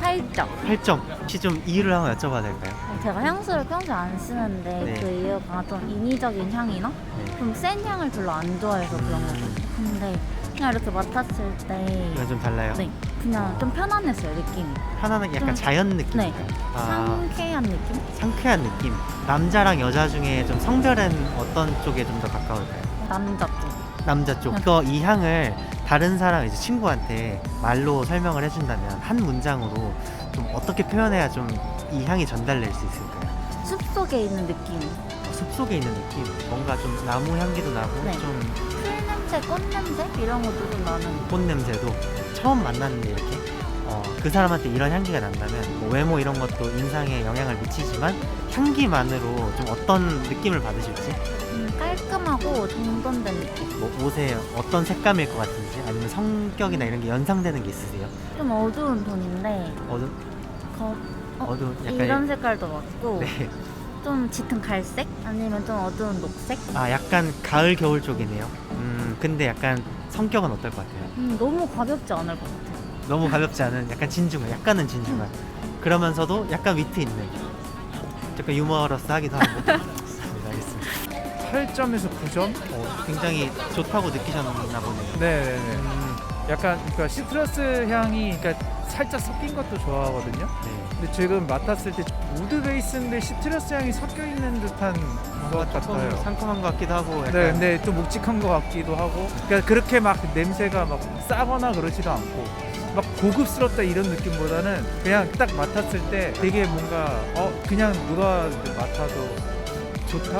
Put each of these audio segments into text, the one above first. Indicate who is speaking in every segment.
Speaker 1: 8점.
Speaker 2: 8점. 혹시 좀 이유를 한번 여쭤봐도 될까요?
Speaker 1: 제가 향수를 평소에 안 쓰는데
Speaker 2: 네.
Speaker 1: 그 이유가 좀 인위적인 향이나
Speaker 2: 네.
Speaker 1: 좀 센 향을 별로 안 좋아해서 그런 거거든요. 근데 그냥 이렇게 맡았을 때
Speaker 2: 이건 좀 달라요?
Speaker 1: 네, 그냥 좀 편안했어요, 느낌이.
Speaker 2: 편안하게 약간
Speaker 1: 좀-
Speaker 2: 자연 느낌인가요?
Speaker 1: 네. 상쾌한 느낌?
Speaker 2: 상쾌한 느낌. 남자랑 여자 중에 좀 성별은 어떤 쪽에 좀 더 가까울까요?
Speaker 1: 남자 쪽.
Speaker 2: 남자 쪽. 이 향을 다른 사람 이제 친구한테 말로 설명을 해준다면 한 문장으로 좀 어떻게 표현해야 좀 이 향이 전달될 수 있을까요?
Speaker 1: 숲속에 있는 느낌.
Speaker 2: 숲속에 있는 느낌. 뭔가 좀 나무 향기도 나고
Speaker 1: 네.
Speaker 2: 좀
Speaker 1: 풀 냄새, 꽃 냄새 이런 것도 좀 나는.
Speaker 2: 꽃 냄새도 처음 만났는데 이렇게 그 사람한테 이런 향기가 난다면 뭐 외모 이런 것도 인상에 영향을 미치지만 향기만으로 좀 어떤 느낌을 받으실지
Speaker 1: 깔끔하고 정돈된 느낌.
Speaker 2: 뭐 옷에 어떤 색감일 것 같은지 아니면 성격이나 이런 게 연상되는 게 있으세요?
Speaker 1: 좀 어두운 톤인데
Speaker 2: 어두운 약간
Speaker 1: 이런 색깔도 맞고
Speaker 2: 네.
Speaker 1: 좀 짙은 갈색? 아니면 좀 어두운 녹색?
Speaker 2: 약간 가을 겨울 쪽이네요. 근데 약간 성격은 어떨 것 같아요?
Speaker 1: 너무 가볍지 않을 것 같아요.
Speaker 2: 너무 가볍지 않은 약간 진중한 약간은 진중한 그러면서도 약간 위트 있는 약간 유머러스 하기도 하고 네, 알겠습니다.
Speaker 3: 8점에서 9점?
Speaker 2: 굉장히 좋다고 느끼셨나 보네요.
Speaker 3: 네네네. 약간 그러니까 시트러스 향이 그러니까 살짝 섞인 것도 좋아하거든요.
Speaker 2: 네.
Speaker 3: 근데 지금 맡았을 때 우드 베이스인데 시트러스 향이 섞여 있는 듯한 것 같아요.
Speaker 2: 상큼한 것 같기도 하고 약간
Speaker 3: 네, 근데 좀 묵직한 것 같기도 하고, 그러니까 그렇게 막 냄새가 막 싸거나 그러지도 않고, 막 고급스럽다 이런 느낌보다는 그냥 딱 맡았을 때 되게 뭔가 그냥 누가 맡아도 좋다?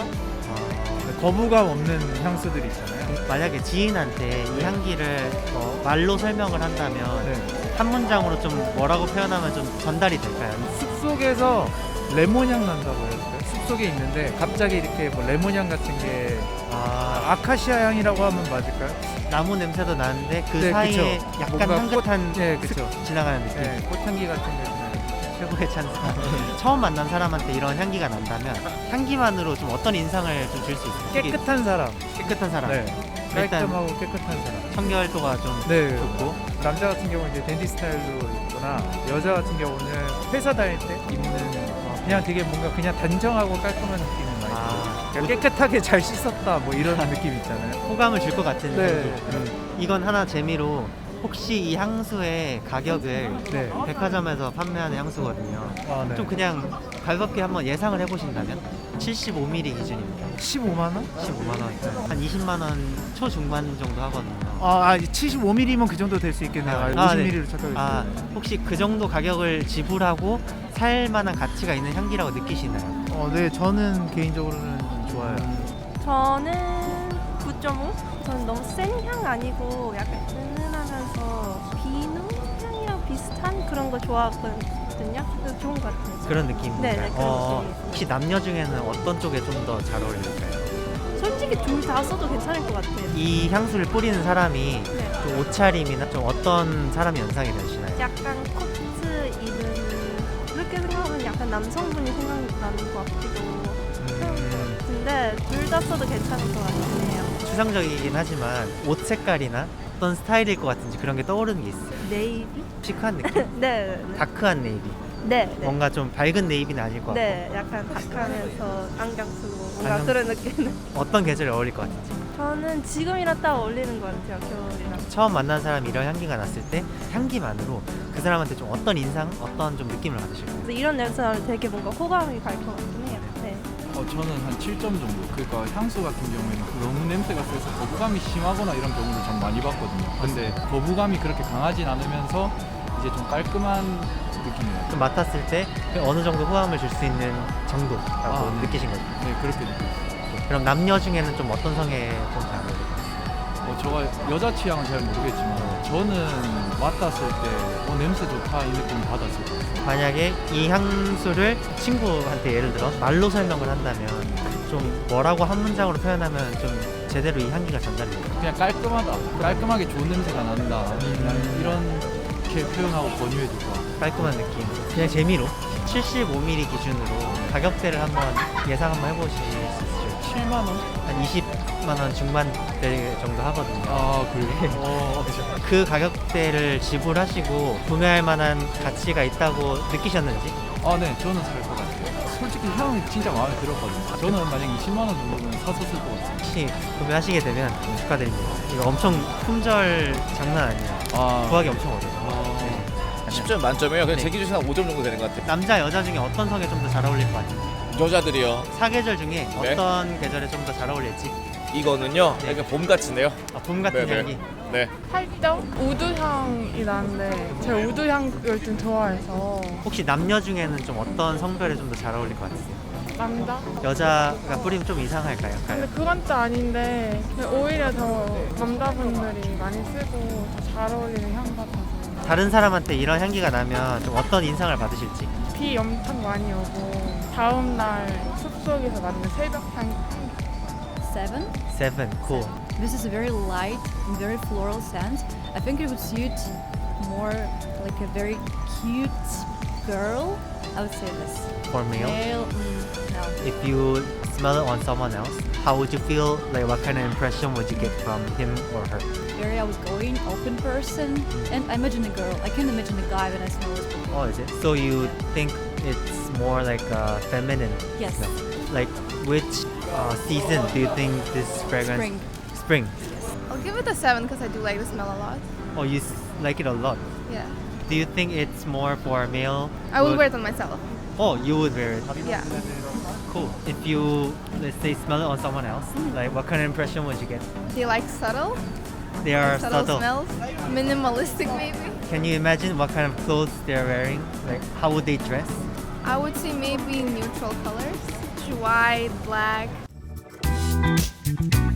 Speaker 3: 거부감 없는 향수들 있잖아요.
Speaker 2: 만약에 지인한테 이
Speaker 3: 네.
Speaker 2: 향기를 말로 설명을 한다면
Speaker 3: 네.
Speaker 2: 한 문장으로 좀 뭐라고 표현하면 좀 전달이 될까요?
Speaker 3: 숲속에서 레몬향 난다고 해야 될까요? 숲속에 있는데 갑자기 이렇게 뭐 레몬향 같은 게 아카시아 향이라고 하면 맞을까요?
Speaker 2: 나무 냄새도 나는데 그
Speaker 3: 네,
Speaker 2: 사이에
Speaker 3: 그쵸.
Speaker 2: 약간
Speaker 3: 뭔가
Speaker 2: 향긋한
Speaker 3: 네, 그쵸.
Speaker 2: 지나가는 느낌.
Speaker 3: 네, 꽃향기 같은 게 나요.
Speaker 2: 최고의 찬스. 처음 만난 사람한테 이런 향기가 난다면 향기만으로 좀 어떤 인상을 좀 줄 수 있어요?
Speaker 3: 깨끗한 사람.
Speaker 2: 깨끗한 사람.
Speaker 3: 네.
Speaker 2: 일단
Speaker 3: 깔끔하고 깨끗한 사람.
Speaker 2: 청결도가 좀
Speaker 3: 네.
Speaker 2: 좋고
Speaker 3: 남자 같은 경우는 이제 댄디 스타일로 입거나 여자 같은 경우는 회사 다닐 때 입는 그냥 되게 뭔가 그냥 단정하고 깔끔한 느낌이 많이 들어요. 그러니까 깨끗하게 잘 씻었다 뭐 이런 느낌 있잖아요.
Speaker 2: 호감을 줄 것 같은
Speaker 3: 네.
Speaker 2: 향기. 이건 하나 재미로 혹시 이 향수의 가격을
Speaker 3: 네.
Speaker 2: 백화점에서 판매하는 향수거든요.
Speaker 3: 네.
Speaker 2: 좀 그냥 가볍게 한번 예상을 해보신다면 75ml 기준입니다.
Speaker 3: 15만 원?
Speaker 2: 15만 원. 한 20만 원 초중반 정도 하거든요.
Speaker 3: 75mm면 그 정도 될 수 있겠네요. 50mm로 착각했어요.
Speaker 2: 혹시 그 정도 가격을 지불하고 살 만한 가치가 있는 향기라고 느끼시나요?
Speaker 3: 네, 저는 개인적으로는 좋아요.
Speaker 4: 저는 9.5? 저는 너무 센 향 아니고 약간 은은하면서 비누 향이랑 비슷한 그런 거 좋아하거든요. 그래서 좋은 것 같아요.
Speaker 2: 그런 느낌인가요?
Speaker 4: 네, 그런 느낌이에요.
Speaker 2: 혹시 남녀 중에는 어떤 쪽에 좀 더 잘 어울릴까요?
Speaker 4: 솔직히 둘 다 써도 괜찮을 것 같아요.
Speaker 2: 이 향수를 뿌리는 사람이
Speaker 4: 네.
Speaker 2: 좀 옷차림이나 좀 어떤 사람이 연상이 되시나요?
Speaker 4: 약간 코트 입은 그렇게 생각하면 약간 남성분이 생각나는 것 같기도 근데 둘 다 써도 괜찮을 것 같긴 해요.
Speaker 2: 추상적이긴 하지만 옷 색깔이나 어떤 스타일일 것 같은지 그런 게 떠오르는 게 있어요.
Speaker 4: 네이비?
Speaker 2: 시크한 느낌?
Speaker 4: 네.
Speaker 2: 다크한 네이비.
Speaker 4: 네. 네.
Speaker 2: 뭔가 좀 밝은 네이비는 아닐 것 같고
Speaker 4: 네, 약간 다크하면서 안경 쓰고 뭔가
Speaker 2: 안경
Speaker 4: 그런 느낌.
Speaker 2: 어떤 계절에 어울릴 것 같은지.
Speaker 4: 저는 지금이랑 딱 어울리는 것 같아요, 겨울이랑.
Speaker 2: 처음 만난 사람이 이런 향기가 났을 때 향기만으로 그 사람한테 좀 어떤 인상, 어떤 좀 느낌을 받으실까요?
Speaker 4: 그래서 이런 냄새는 되게 뭔가 호감이 갈 것 같긴 해요. 네.
Speaker 5: 저는 한 7점 정도. 그러니까 향수 같은 경우에는 너무 냄새가 세서 거부감이 심하거나 이런 경우를 참 많이 봤거든요. 근데 거부감이 그렇게 강하진 않으면서 이제 좀 깔끔한 느낌이에요.
Speaker 2: 좀 맡았을 때 어느 정도 호감을 줄 수 있는 정도라고
Speaker 5: 네.
Speaker 2: 느끼신 거죠?
Speaker 5: 네, 그렇게 느꼈어요.
Speaker 2: 그럼 남녀 중에는 좀 어떤 성에 좀 잘 어울릴까요?
Speaker 5: 제가 여자 취향은 잘 모르겠지만 저는 맡았을 때 냄새 좋다 이 느낌 받았어요.
Speaker 2: 만약에 이 향수를 친구한테 예를 들어 말로 설명을 한다면 좀 뭐라고 한 문장으로 표현하면 좀 제대로 이 향기가 전달이 될까요?
Speaker 5: 그냥 깔끔하다. 깔끔하게 좋은 냄새가 난다. 그냥 이렇게 표현하고 권유해 줄 것 같아요.
Speaker 2: 깔끔한 느낌. 그냥 재미로 75ml 기준으로 가격대를 한번 예상 한번 해보실 수 있으실지.
Speaker 5: 7만 원?
Speaker 2: 한 20만 원 중반대 정도 하거든요.
Speaker 5: 아 그래요?
Speaker 2: 그 가격대를 지불하시고 구매할 만한 가치가 있다고 느끼셨는지?
Speaker 5: 아 네, 저는 살 것 같아요. 솔직히 향 진짜 마음에 들었거든요. 저는 만약 20만 원 정도면 사서 쓸 것 같아요.
Speaker 2: 혹시 구매하시게 되면 축하드립니다. 이거 엄청 품절 장난 아니에요.
Speaker 5: 아,
Speaker 2: 구하기 엄청 어려워요.
Speaker 5: 아,
Speaker 6: 10점 만점이에요. 그냥
Speaker 2: 네.
Speaker 6: 제 기준에서 한 5점 정도 되는 것 같아요.
Speaker 2: 남자 여자 중에 어떤 성에 좀 더 잘 어울릴 것 같아요?
Speaker 6: 여자들이요.
Speaker 2: 사계절 중에
Speaker 6: 네.
Speaker 2: 어떤 계절에 좀 더 잘 어울릴지?
Speaker 6: 이거는요.
Speaker 2: 네.
Speaker 6: 약간 봄 같은데요.
Speaker 2: 봄 같은
Speaker 6: 네네.
Speaker 2: 향기.
Speaker 6: 네.
Speaker 7: 8점? 우드향이 나는데 제가 우드향을 좀 좋아해서
Speaker 2: 혹시 남녀 중에는 좀 어떤 성별에 좀 더 잘 어울릴 것 같으세요?
Speaker 7: 남자?
Speaker 2: 여자가 뿌리면 좀 이상할까요?
Speaker 7: 근데 그건 또 아닌데 그냥 오히려 더 남자분들이 많이 쓰고 더 잘 어울리는 향 같아서
Speaker 2: 다른 사람한테 이런 향기가 나면 좀 어떤 인상을 받으실지?
Speaker 7: 비 엄청 많이 오고 다음날 숲속에서 맞는 새벽향
Speaker 8: 7.
Speaker 2: 7, cool.
Speaker 8: This is a very light and very floral scent. I think it would suit more like a very cute girl. I would say this.
Speaker 2: For male.
Speaker 8: No.
Speaker 2: If you smell it on someone else, how would you feel? Like what kind of impression would you get from him or her?
Speaker 8: Very outgoing, open person. And I imagine a girl. I can't imagine a guy when I smell this perfume.
Speaker 2: Oh, is it? So you think it's more like feminine?
Speaker 8: Yes.
Speaker 2: smell. Like which season do you think this fragrance?
Speaker 8: Spring.
Speaker 2: Spring.
Speaker 9: I'll give it a 7 because I do like the smell a lot.
Speaker 2: Oh, you like it a lot.
Speaker 9: Yeah.
Speaker 2: Do you think it's more for male?
Speaker 9: I will wear it on myself.
Speaker 2: Oh, you would wear it.
Speaker 9: Yeah.
Speaker 2: Cool. If you, let's say, smell it on someone else, like what kind of impression would you get?
Speaker 9: Do you like subtle?
Speaker 2: They are
Speaker 9: Subtle
Speaker 2: subtle.
Speaker 9: smells? Minimalistic maybe?
Speaker 2: Can you imagine what kind of clothes they're wearing? Like how would they dress?
Speaker 9: I would say maybe neutral colors. White, black.